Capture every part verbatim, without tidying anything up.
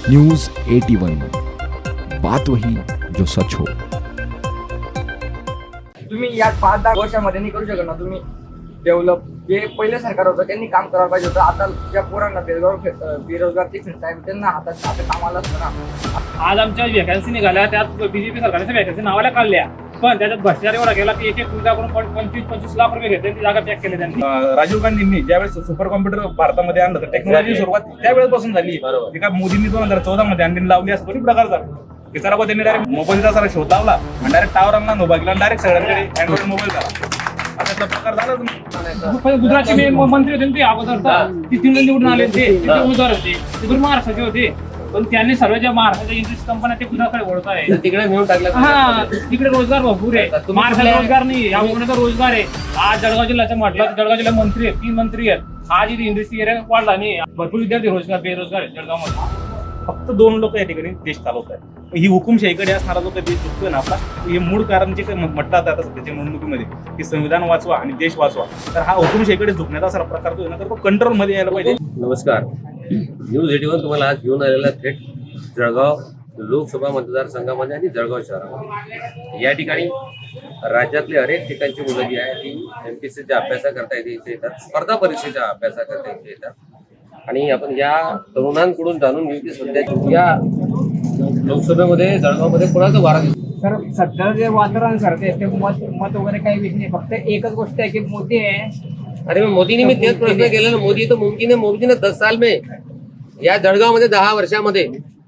News eighty one, बात वही जो सच हो। तुम्ही या पाच दहा वर्षामध्ये नाही करू शकत ना तुम्ही डेव्हलप. जे पहिले सरकार होतं त्यांनी काम करायला पाहिजे होतं. आता ज्या पोरांना बेरोजगार बेरोजगार ते फिरताय त्यांना हातात आता कामाला असतं ना. आज आमच्या व्हॅकन्सी निघाल्या, त्यात बीजेपी सरकारने व्हॅकन्सी नावाला काढल्या, पण त्याच्यात भ्रष्टाचार एवढा गेला की एक एक मुलगा करून पंचवीस पंचवीस लाख रुपये घेतले, ती जागा पॅक केली त्यांनी. राजीव गांधींनी ज्यावेळेस सुपर कॉम्प्युटर भारतामध्ये आणलं तर टेक्नॉलॉजी सुरुवात त्यावेळेपासून झाली. एका मोदींनी दोन हजार चौदा मध्ये अंडी लावली असं कोणी प्रकार झाला की जरा त्यांनी डायरेक्ट मोबाईलचा सारा शोध लावला आणि डायरेक्ट टावर आणला, नोबा गेला, डायरेक्ट सगळ्यांकडे अँड्रॉइड मोबाईल झाला. असा प्रकार झाला. गुजरातचे मंत्री होते ते अगोदर, ती तीन निवडून आले ते उमेदवार होते, तिकडून महाराष्ट्राचे होते, पण त्यांनी सर्व ज्या महाराष्ट्राच्या इंडस्ट्री कंपन्या ते गुजरातकडे वळत आहे. तिकडे मिळून टाकलं. हा, तिकडे रोजगार भरपूर आहे. महाराष्ट्रात रोजगार नाही, या उमेदवार रोजगार आहे. आज जळगाव जिल्ह्याचं म्हटलं तर जळगाव जिल्ह्यात मंत्री आहेत, तीन मंत्री आहेत. आज इथे इंडस्ट्री एरिया वाढला नाही, भरपूर विद्यार्थी रोजगार बेरोजगार आहेत जळगावमध्ये. फक्त दोन लोक या ठिकाणी देश चालवत आहेत. ही हुकुमशाहीकडे असणारा जो काही देश चुकतोय ना आपला, हे मूळ कारण जे काही म्हटलं जातं सध्याच्या निवडणुकीमध्ये की संविधान वाचवा आणि देश वाचवा, तर हा हुकुमशाहीकडे झुकण्याचा असा प्रकार जो ना तर तो कंट्रोलमध्ये यायला पाहिजे. नमस्कार, न्यूज एटी वन तुम्हाला आज घेऊन आलेला थेट जळगाव लोकसभा मतदारसंघामध्ये आणि जळगाव शहरामध्ये. या ठिकाणी राज्यातले अनेक ठिकाणची मुलं जी आहे ती एमपीएससीच्या अभ्यासाकरता इथे इथे येतात, स्पर्धा परीक्षेच्या अभ्यासाकरता इथे येतात. आणि आपण या तरुणांकडून जाणून घेऊ की सध्या या लोकसभेमध्ये जळगावमध्ये कोणाचं वारा दिसतो. तर सध्या जे वातावरण सर ते ते मत मत वगैरे काही विषय नाही. फक्त एकच गोष्ट आहे की मोदी आहे. अरे मग मोदींनी मी तेच प्रश्न केला ना, मोदी तो मुमकिन है, मोदी ने दस साल में या जळगावमध्ये दहा वर्षामध्ये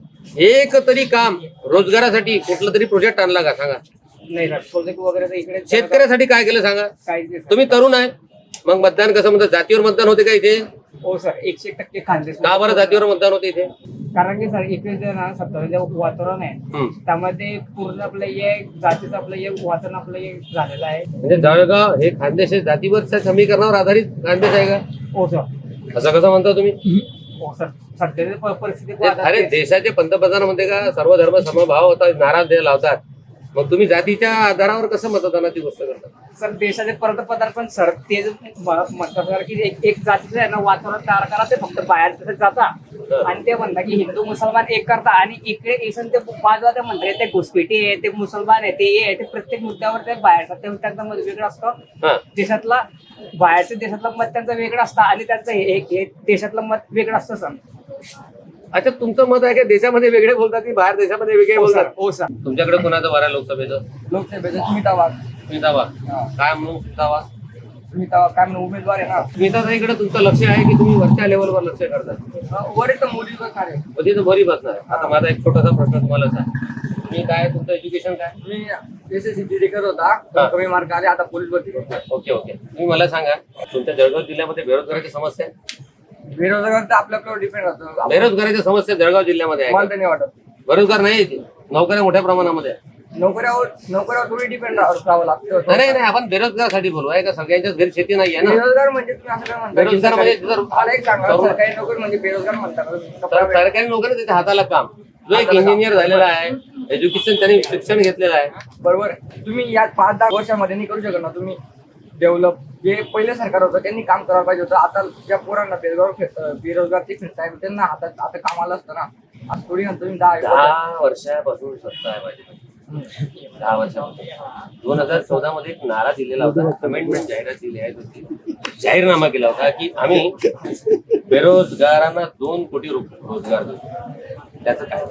एक तरी काम रोजगारासाठी कुठलं तरी प्रोजेक्ट आणला का सांगा? नाही सर, प्रोजेक्ट वगैरे तर इकडे शेतकऱ्यासाठी काय केलं सांगा? काहीच नाही सर. तुम्ही तरुण आहे, मग मतदान कसं म्हणतात? जातीवर मतदान होते का इथे? हो सर, एकशे टक्के खांदे. का बरं जातीवर मतदान होते इथे? कारण की सर इकडे जे ना सध्या जे वातावरण आहे हम्म. त्यामध्ये पूर्ण आपलं हे जातीचं आपलं हे वातावरण आपलं हे झालेलं आहे. म्हणजे जळगाव हे खानदेश हे जातीवरच्या समीकरणावर आधारित खानदेश आहे का? हो सर. असं कसं म्हणता तुम्ही? हो सर, सध्याची प- परिस्थिती ते- अरे देशाचे पंतप्रधान म्हणते का सर्व धर्म समभाव होता, नारा दे लावतात, मग तुम्ही जातीच्या आधारावर कसं मतदानाची गोष्ट करता? सर देशाचे पंतप्रधान पण सर ते जे म- म्हणतात सर की एक एक जातीचं आहे ना वातावरण तयार करा, ते फक्त बाहेर तसं जाता आणि ते म्हणतात की हिंदू मुसलमान एक करता आणि इकडे येसन ते बाजूला ते म्हणतात ते घुसपेटी आहे, ते मुसलमान आहे, ते आहे, ते प्रत्येक मुद्द्यावर ते बाहेरचा ते त्यांचं मत वेगळं हा. असतं. देशातला बाहेरच्या देशातलं मत त्यांचं वेगळं असतं आणि त्यांचं हे हे देशातलं मत वेगळं असतं सर. अच्छा, तुमचं मत आहे की देशामध्ये वेगळे बोलतात की बाहेर देशामध्ये वेगळे हो सर. बोलतात? हो सर. तुमच्याकडे कोणाचं वार आहे लोकसभेचं? लोकसभेचं स्मिता वाघ. स्मिता वाघ. हा. काय म्हणून स्मिता वाघ? स्मिता वाघ काय म्हणून उमेदवार आहे ना. स्मिताताईकडे तुमचं लक्ष आहे की तुम्ही वरच्या लेवलवर लक्ष करता? वरिष्ठ मोदीचं कार्य. कधी तर बरी बसणार आहे. आता माझा एक छोटासा प्रश्न तुम्हालाच आहे, मी काय तुमचं एज्युकेशन काय? मी एस एस सी करत होता, हा. कमी मार्क आले, आता पोलीस भरती करतोय. ओके ओके तुम्ही मला सांगा, तुमच्या जळगाव जिल्ह्यामध्ये बेरोजगाराची समस्या आहे? बेरोजगार तर आपल्याकडे डिपेंड राहतं. बेरोजगाराच्या समस्या जळगाव जिल्ह्यामध्ये आहे मला का? तर नाही वाटत. बेरोजगार नाही आहे, नोकऱ्या मोठ्या प्रमाणामध्ये आहे. नोकऱ्यावर नोकऱ्यावर थोडी डिपेंड राहावं लागतं. नाही नाही, आपण बेरोजगारासाठी बोलू आहे का? सगळ्यांच्याच घरी शेती नाही आहे ना. बेरोजगार म्हणजे तुम्ही असं काय म्हणता? बेरोजगार म्हणजे जर- मला एक सांगा, तरुण- सरकारी नोकरी म्हणजे बेरोजगार म्हणतात तर सरकारी नोकरी तिथे हाताला काम. जो एक इंजिनियर झालेला आहे, एज्युकेशन त्याने शिक्षण घेतलेलं आहे, बरोबर आहे. तुम्ही या पाच दहा वर्षामध्ये नाही करू शकत ना तुम्ही डेव्हलप. जे पहिले सरकार होतं त्यांनी काम करायला पाहिजे होतं. आता ज्या पोरांना बेरोजगार बेरोजगार ते फिरताय त्यांना हातात आता कामाला असतं ना. आज थोडी ना तुम्ही दहा दहा वर्षापासून सत्ता आहे माझी. दहा वर्षापासून दोन हजार चौदा मध्ये एक नारा दिलेला होता, अमेंडमेंट जाहिरात दिली आहे होती, जाहीरनामा केला होता की आम्ही बेरोजगारांना दोन कोटी रुपये रोजगार देऊ. त्याचं काय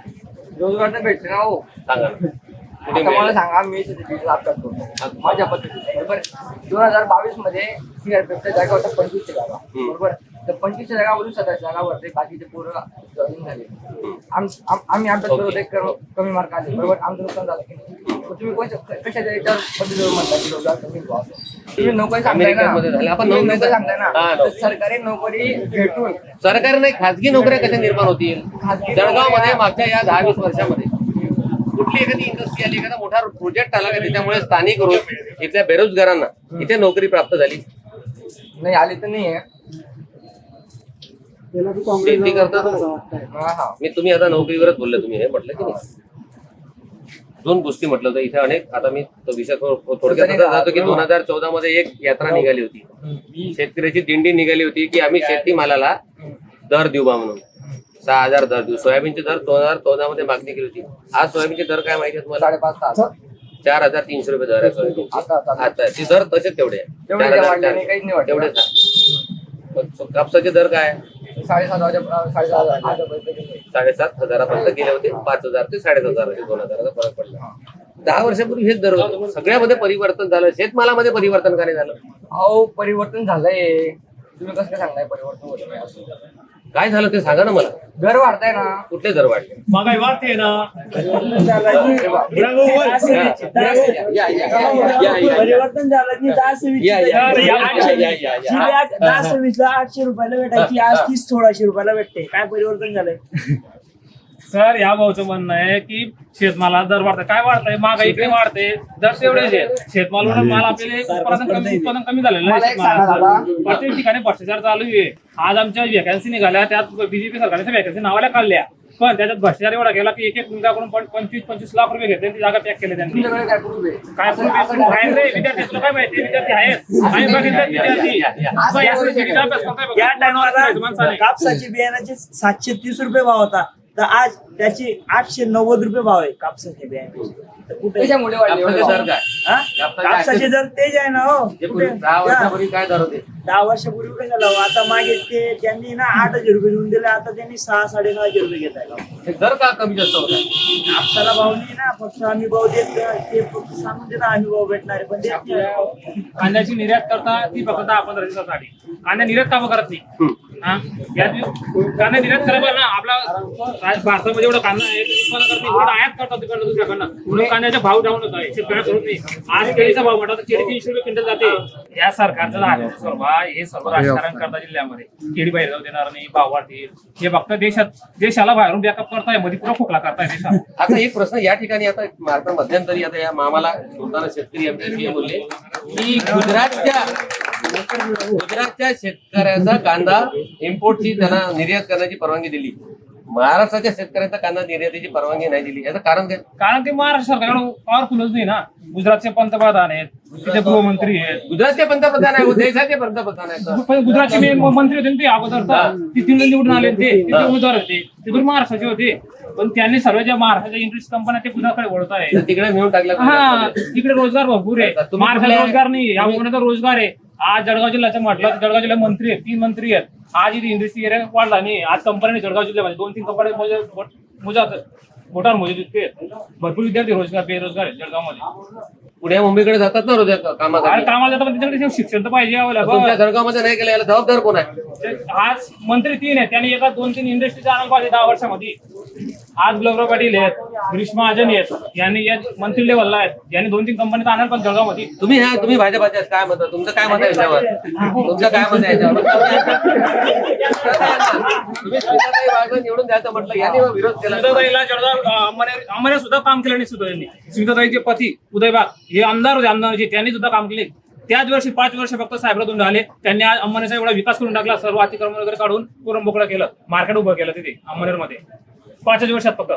रोजगार तर भेटते ना. हो सांगा ना. कुठे आता मला मिळेल? सांगा, मी लाभ करतो माझ्या पद्धतीने. बरोबर, दोन हजार बावीस मध्ये सीआरपीएफच्या जागा होत्या पंचवीसशे जागा. हम्म. बरोबर, तर पंचवीसशे जागावरून सतरा जागावरती बाकीचे पोरं जॉईन झाले. आम- आम- आम्ही अभ्यास करत होते, कम- कमी मार्क आले. बरोबर, आमचं नुकसान झालं की नाही. मग तुम्ही कोणत्या कशाच्या याच्यावर पद्धतीवर म्हणता की रोजगार कमी व्हावा? तुम्ही नोकरी सांगताय ना, अमेरिकेमध्ये झालं. आपण तुम्ही नोकरी- नोकरी सांगताय ना, हा, तर नोकरी. सरकारी नोकरी भेटून सरकारी नाही, खाजगी नोकऱ्या कशा निर्माण होतील? खाजगी जळगाव मध्ये नोकऱ्या- मागच्या या दहा वीस वर्षामध्ये कुठली एखादी इंडस्ट्री आली, एखादा मोठा प्रोजेक्ट आला का त्याच्यामुळे स्थानिक रोज इथल्या बेरोजगारांना इथे नोकरी प्राप्त झाली? नाही आली तर नाही आहे. शेती करता तुम्ही? हा हा मी तुम्ही आता नोकरीवरच बोलले, तुम्ही हे म्हटलं की नाही? दोन गोष्टी म्हटलं होतं इथे अनेक. आता मी तो विषय थोड- थोडक्यात असा जातो की दोन हजार चौदा मध्ये एक यात्रा निघाली होती, शेतकऱ्याची दिंडी निघाली होती की आम्ही शेतीमालाला दर देऊ बा म्हणून. सहा हजार दर देऊ. सोयाबीनचे दर दोन हजार चौदा मध्ये मागणी केली होती. आज सोयाबीनचे दर काय माहिती आहे तुम्हाला? साडेपाच सहा चार हजार तीनशे रुपये दर आहे सोयाबीन. आता आता आता ते दर तसेच तेवढे आहे. तेवढे चार काय हजार वाढले नाही, काहीच नाही वाढले. तेवढेच आहे. पण सो- कापसाचे दर काय आहे? साडेसात हजार साडेसात हजार हजारपर्यंत गेले. साडेसात हजारापर्यंत गेले होते. पाच हजार ते साडेसात हजार दोन हजाराचा फरक पडला. दहा वर्षापूर्वी हेच दर होते. सगळ्यामध्ये परिवर्तन झालं. शेतमालामध्ये परिवर्तन का नाही झालं? अहो परिवर्तन झालंय. तुम्ही कसं काय सांगताय परिवर्तन होत नाही असं? काय झालं ते सांगा ना मला. दर वाढताय ना. कुठले दर वाढले? महागाई वाढते ना. या, या, या, या, या. परिवर्तन झालं की दहा सव्वीस या, या, या, या, या, या, या, या. जी बॅग दहा सव्वीस ला आठशे रुपयाला भेटायची आज तीस सोळाशे रुपयाला भेटते. काय परिवर्तन झालंय? सर या भाऊचं म्हणणं आहे की शेतमाला दर वाढतंय. काय वाढतंय? महागाई इकडे वाढते, दर तेवढेच आहे. शेतमाल माल आपल्याला उत्पादन कमी उत्पादन कमी झालेलं आहे मला एक सांगा शेतमालाचं. दादा. प्रत्येक ठिकाणी भ्रष्टाचार चालू आहे. आज आमच्या वॅकन्सी निघाल्या, त्यात बीजेपी सरकारने वॅकन्सी नावाला काढल्या, पण त्याच्यात भ्रष्टाचार एवढा गेला की एक एक मुलगाकडून पण पंचवीस पंचवीस लाख रुपये घेतले, ती जागा पॅक केली त्यांनी. तुमच्याकडे काय प्रूफ आहे? काय proof आहे? proof आहे रे, विद्यार्थी तुला काय माहिती? विद्यार्थी आहेत आम्ही बघितलं विद्यार्थी. असं या परिस्थितीचा अभ्यास करताय बघा. या टायमाला माणसाने. कापसाची बियाण्याचे सातशे तीस रुपये भाव होता, तर आज त्याची आठशे नव्वद रुपये भाव आहे कापसाच्या बियाण्याचे. तर कुठे त्याच्यामुळे वाढले कापसाचे एवढे दर काय? हा? कापसाचे दर तेज आहे ना हो. जे कुठे? पूर्वी दहा वर्षापूर्वी काय दर होते? दहा वर्षापूर्वी काय झालं हो? आता मागे ते त्यांनी ना आठ हजार रुपये देऊन दिले, आता त्यांनी सहा साडेसहाशे रुपये घेत आहे. हे दर का कमी जास्त होतात? कापसाला भाव नाही ना, फक्त आम्ही भाव देत ते फक्त सांगून देतात आम्ही भाव भेटणार आहे, पण देत नाही. कांद्याची निर्यात करता ती फक्त दहा पंधरा दिवसासाठी. कांदा निर्यात का करत नाही? हा? या दिवस- कांदा निर्यात करायला ना आपला राज- भारतामध्ये एवढा कांदा आहे, ते उत्पादन करत नाही. एवढा आयात करतात तिकडनं दुसऱ्याकडनं. म्हणून कांद्याचा भाव डाऊनच आहे. शेतकऱ्या करत नाही. आज केळीचा भाव म्हटला तर केळी तीनशे रुपये क्विंटल जाते. या सरकारचं झालं सर्व हे सर्व राजकारण करता जिल्ह्यामध्ये. केळी बाहेर जाऊ देणार नाही, भाव वाढतील. हे फक्त देशात देशाला बाहेरून बॅकअप करताय, मध्ये पुरा खोकला करताय देशात. आता एक प्रश्न या ठिकाणी आता आता मध्यंतरी आता या मामाला बोलताना शेतकरी आमच्याशी हे बोलले की गुजरातच्या गुजरातच्या शेतकऱ्याचा कांदा इम्पोर्टची त्यांना निर्यात करण्याची परवानगी दिली. महाराष्ट्राच्या शेतकऱ्याचा कांदा निर्यातीची परवानगी नाही दिली. याचं कारण काय? कारण ते महाराष्ट्र सरकार एवढं पॉवरफुलच नाही ना. गुजरातचे पंतप्रधान आहेत, तिथे गृहमंत्री आहेत. गुजरातचे पंतप्रधान आहे, देशाचे पंतप्रधान आहेत. पण गुजरातचे मे- मंत्री होते ना ते अगोदर तर. ते तीन निवडून आले ते तिथे उमेदवार होते, ते दूर महाराष्ट्राचे होते. पण त्यांनी सर्व ज्या महाराष्ट्राच्या इंडस्ट्री कंपन्या ते गुजरातकडे वळत आहे. तर तिकडे नेऊन टाकलं हा, गुजरातमध्ये. तिकडे रोजगार भरपूर आहे. तुम्ही महाराष्ट्रात कुठल्या- रोजगार नाही, या कोणाचा रोजगार आहे. आज जळगाव जिल्ह्याचं म्हटलं तर जळगाव जिल्ह्यात मंत्री आहेत, तीन मंत्री आहेत. आज इथे इंडस्ट्री एरिया वाढला नाही. आज कंपन्यांनी जळगाव जिल्ह्यामध्ये दोन तीन कंपन्या मोजात मोठार मोजे इतके आहेत. भरपूर विद्यार्थी रोजगार बेरोजगार आहेत जळगावमध्ये. पुण्या मुंबईकडे जातात ना रोज आणि कामासाठी. कामाला जातात पण त्यांच्याकडे शिक्षण तर पाहिजे तुमच्या available. जळगावमध्ये नाही केलं, याला जबाबदार कोण आहे? आज मंत्री तीन आहेत, त्यांनी एका दोन तीन इंडस्ट्रीचा आरंभ पाहिजे दहा वर्षामध्ये. आज गुलाबराव पाटील आहेत, ग्रीष्मा महाजन आहेत, यांनी या मंत्री लेवलला आहेत, यांनी दोन तीन कंपनीत आणणार पण जळगावमध्ये. तुम्ही ह्या तुम्ही भाजपाचे आहेत, काय मत आहे? तुमचं काय मत आहे याच्यावर? तुमचं काय मत आहे याच्यावर? तुम्ही स्मिताताई वाघ निवडून द्यायचं म्हटलं, यांनी मग विरोध केला. स्मिताताईला जळगाव अंमने सुद्धा काम केलं नाही सुद्धा त्यांनी. स्मिताताईचे पती उदय वाघ हे आमदार होते, आमदारचे, त्यांनी सुद्धा काम केले. त्याच वर्षी पाच वर्ष फक्त साहेबला दोन झाले. त्यांनी आज अंमनेचा एवढा विकास करून टाकला, सर्व अतिक्रमण वगैरे काढून पूर्ण मोकळं केलं, मार्केट उभं केलं तिथे अंमनेर मध्ये पाचच वर्षात फक्त.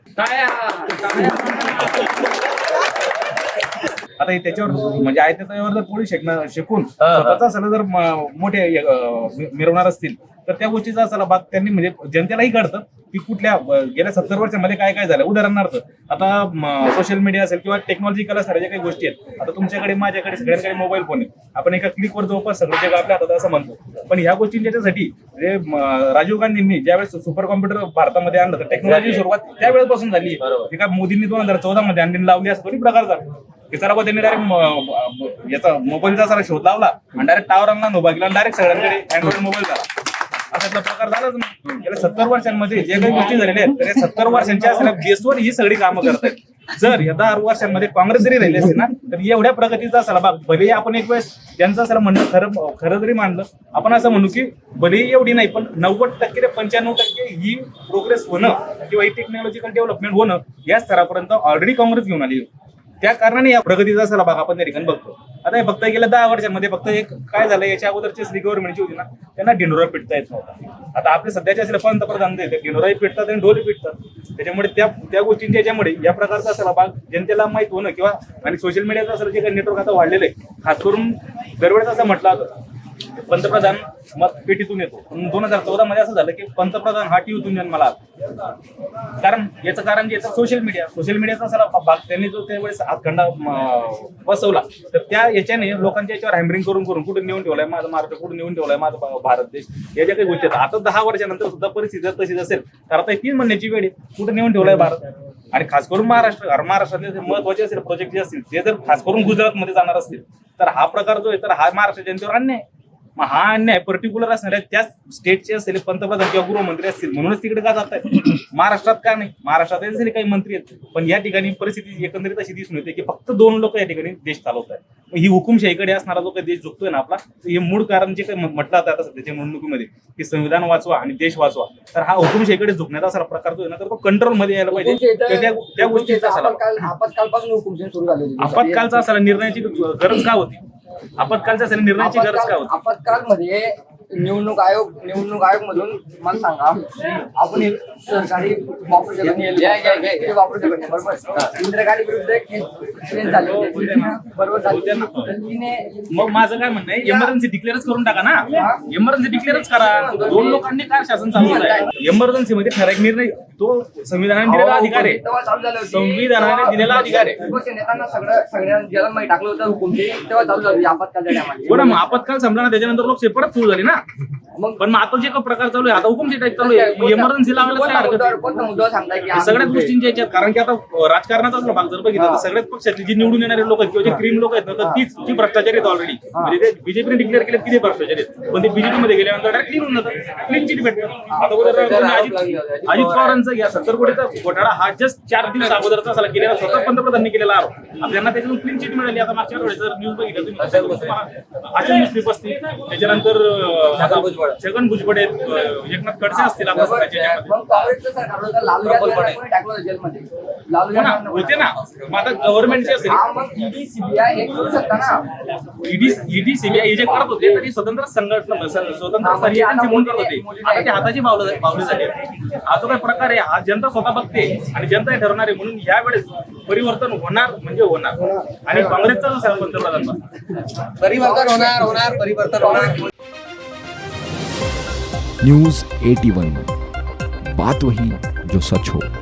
आता हे त्याच्यावर म्हणजे आहे त्याच्यावर जर पोळी शेकणं शिकून स्वतःचा सल्ला जर म- मोठे अं, मिरवणार असतील तर त्या गोष्टीचा सल्ला भाग त्यांनी म्हणजे जनतेलाही कळतं की कुठल्या अं, गेल्या सत्तर वर्षामध्ये काय काय झालं. उदाहरणार्थ आता सोशल मीडिया असेल किंवा टेक्नॉलॉजिकल असणाऱ्या ज्या काही गोष्टी आहेत, आता तुमच्याकडे माझ्याकडे सगळ्यांकडे मोबाईल फोन आहे. आपण एका क्लिकवर जवळपास सगळं जग आपल्या हातात असं म्हणतो. पण ह्या गोष्टी ज्याच्यासाठी म्हणजे म, राजीव गांधींनी ज्यावेळेस सुपर कॉम्प्युटर भारतामध्ये आणलं तर टेक्नॉलॉजी सुरुवात त्यावेळेपासून झाली. एका मोदींनी दोन हजार चौदा मध्ये आणली लावली असं दोन्ही प्रकार झाला. की चला बा त्यांनी डायरेक्ट याचा मोबाईलचा सारा शोध लावला आणि डायरेक्ट टावर आणला उभा केला, डायरेक्ट सगळ्यांकडे अँड्रॉइड मोबाईल झाला. असा प्रकार झालाच नाही. गेल्या सत्तर वर्षांमध्ये जे काही गोष्टी झालेल्या आहेत तर या सत्तर वर्षांच्या असल्या बेसवर ही सगळी कामं करत आहेत. जर या दहा वर्षांमध्ये काँग्रेस जरी राहिली असते ना तर एवढ्या प्रगतीचा असाला भाग भले आपण एक वेळेस त्यांचं असं म्हणणं खरं खरं जरी मानलं, आपण असं म्हणू की भलेही एवढी नाही पण नव्वद टक्के ते पंच्याण्णव टक्के ही प्रोग्रेस होणं किंवा ही टेक्नॉलॉजिकल डेव्हलपमेंट होणं या स्तरापर्यंत ऑलरेडी काँग्रेस घेऊन आली. त्या कारणाने या प्रगतीचा असाला भाग आपण त्या ठिकाणी बघतो. आता हे फक्त गेल्या दहा वर्षांमध्ये फक्त एक काय झालं, याच्या अगोदरची श्री गव्हर्नमेंटची होती ना त्यांना ढिंडोरा पिटता येत नव्हता. आता आपले सध्याचे असले पंतप्रधान ते ढिंडोराही पिटतात आणि ढोली पिटतात. त्याच्यामुळे त्या त्या गोष्टींच्या याच्यामुळे या प्रकारचा असाला भाग जनतेला माहित होणं किंवा आणि सोशल मीडियाचं असं जे काही नेटवर्क आता वाढलेलं आहे, खास करून दरवेळेस असं म्हटलं होतं पंतप्रधान मत पेटीतून येतो. पण दोन हजार चौदा मध्ये असं झालं की पंतप्रधान हा टीव्हीतून जन्माला आला. कारण याचं कारण जे सोशल मीडिया सोशल मीडियाचा सारा भाग त्यांनी जो त्यावेळेस हातखंडा अं, बसवला, तर त्या याच्याने लोकांच्या याच्यावर हॅमरिंग करून करून कुठे नेऊन ठेवलाय माझं महाराष्ट्र, कुठे नेऊन ठेवलाय माझा भा- भारत देश, या ज्या काही गोष्टी आहेत. आता दहा वर्षानंतर सुद्धा परिस्थिती जर तशीच असेल तर आता तीन महिन्याची वेळ आहे, कुठे नेऊन ठेवलाय भारत. आणि खास करून महाराष्ट्र महाराष्ट्रातले जे महत्वाचे असेल प्रोजेक्ट जे असतील ते जर खास करून गुजरातमध्ये जाणार असतील तर हा प्रकार जो आहे तर हा महाराष्ट्र जनतेवर अन्याय आहे. मग हा अन्याय पर्टिक्युलर असणार आहे त्याच स्टेटचे असलेले पंतप्रधान किंवा गृहमंत्री असतील म्हणूनच तिकडे का जात आहे. महाराष्ट्रात का नाही, महाराष्ट्रात असलेले काही मंत्री आहेत, पण या ठिकाणी परिस्थिती एकंदरीत अशी दिसून येते की फक्त दोन लोक या ठिकाणी देश चालवत आहेत. ही हुकुमशाहीकडे असणारा जो काही देश झुकतोय ना आपला, हे मूळ कारण जे काही म्हटलं जातं आता सध्याच्या निवडणुकीमध्ये की संविधान वाचवा आणि देश वाचवा, तर हा हुकुमशाहीकडे झुकण्याचा असा प्रकार जो आहे ना तर तो कंट्रोलमध्ये यायला पाहिजे. तर त्या त्या गोष्टीचा असायला आपत्कालपासून हुकुमशाही सुरू झाली होती. आपत्कालचा असायला निर्णयाची गरज का होती, आपत्कालच्या असायला निर्णयाची गरज का होती. आपत्कालमध्ये निवडणूक आयोग निवडणूक आयोग मधून मला सांगा, आपण हे सरकारी वापरू शकत नाही, ते वापरू शकत नाही, बरोबर. इंदिरा गांधी विरुद्ध एक ट्रेन झाली होती, बरोबर झाली. तर तिने मग माझं काय म्हणणं आहे, इमर्जन्सी डिक्लेअरच करून टाका ना, इमर्जन्सी डिक्लेअरच करा. दोन लोकांनी काय शासन चालवलं आहे, इमर्जन्सी मध्ये ठराविक निर्णय तो संविधानाने दिलेला अधिकार आहे, तेव्हा चालू झालं होती. संविधानाने दिलेला अधिकार आहे. विपक्ष नेत्यांना सगळं सगळ्या ज्याला माहिती टाकलं होतं हुकुमशाही, तेव्हा चालू झाली आपत्कालच्या टायमाला. बरं, मग आपत्काल संपला ना त्याच्यानंतर लोकशाही परत सुरू झाली ना. मग पण मग आता जे काही प्रकार चालू आहे आता हुकुमशाही टाईप चालू आहे, इमर्जन्सी लावायला काय हरकत आहे? कोणता मुद्दा सांगताय की हे सगळ्याच गोष्टींच्या याच्यात, कारण की आता राजकारणाचा जर भाग जर बघितला तर सगळ्याच पक्षातली जी निवडून येणारे लोक आहेत किंवा जे क्रीम लोक आहेत ना तर तीच जी भ्रष्टाचारी आहेत ऑलरेडी. म्हणजे ते बीजेपीने डिक्लेअर केले किती भ्रष्टाचारी आहेत, पण ते बीजेपी मध्ये गेल्यानंतर डायरेक्ट क्लीन होऊन जातात, क्लीन चिट भेटतात. आता उदाहरण अजित अजित पवारांचा या सत्तर कोटीचा घोटाळा हा जस्ट चार दिवस अगोदरचा झाला, केलेला स्वतः पंतप्रधानांनी केलेला आरोप. आता त्यांना त्याच्यातून क्लीन चिट मिळाली. आता मागच्या वेळेस जर न्यूज बघितलं तुम्ही अशा न्यूज पेपर असतील, त्याच्यानंतर अं, छगन भुजबळ आहेत, अं, एकनाथ खडसे असतील आता सध्याच्या याच्यामध्ये. मग काँग्रेसचं सरकार होतं, लालू यादवांना कोणी टाकलं होतं जेलमध्ये? लालू हो ना, यादवांना होते ना. मग आता गव्हर्नमेंटचे असेल हा, मग ईडी सीबीआय हे करू शकता ना. ईडी ईडी सीबीआय हे जे करत होते तरी स्वतंत्र संघटना स्वतंत्र स्तरीय एजन्सी म्हणून करत होते. आता ते हाताची पावलं पावले झाले. हा जो काही प्रकार आहे हा जनता स्वतः बघते आणि जनता हे ठरवणार आहे. म्हणून यावेळेस परिवर्तन होणार म्हणजे होणार. आणि काँग्रेसचा जो पंतप्रधान बसला. परिवर्तन होणार होणार परिवर्तन होणार. न्यूज एटी वन, बात वही जो सच हो.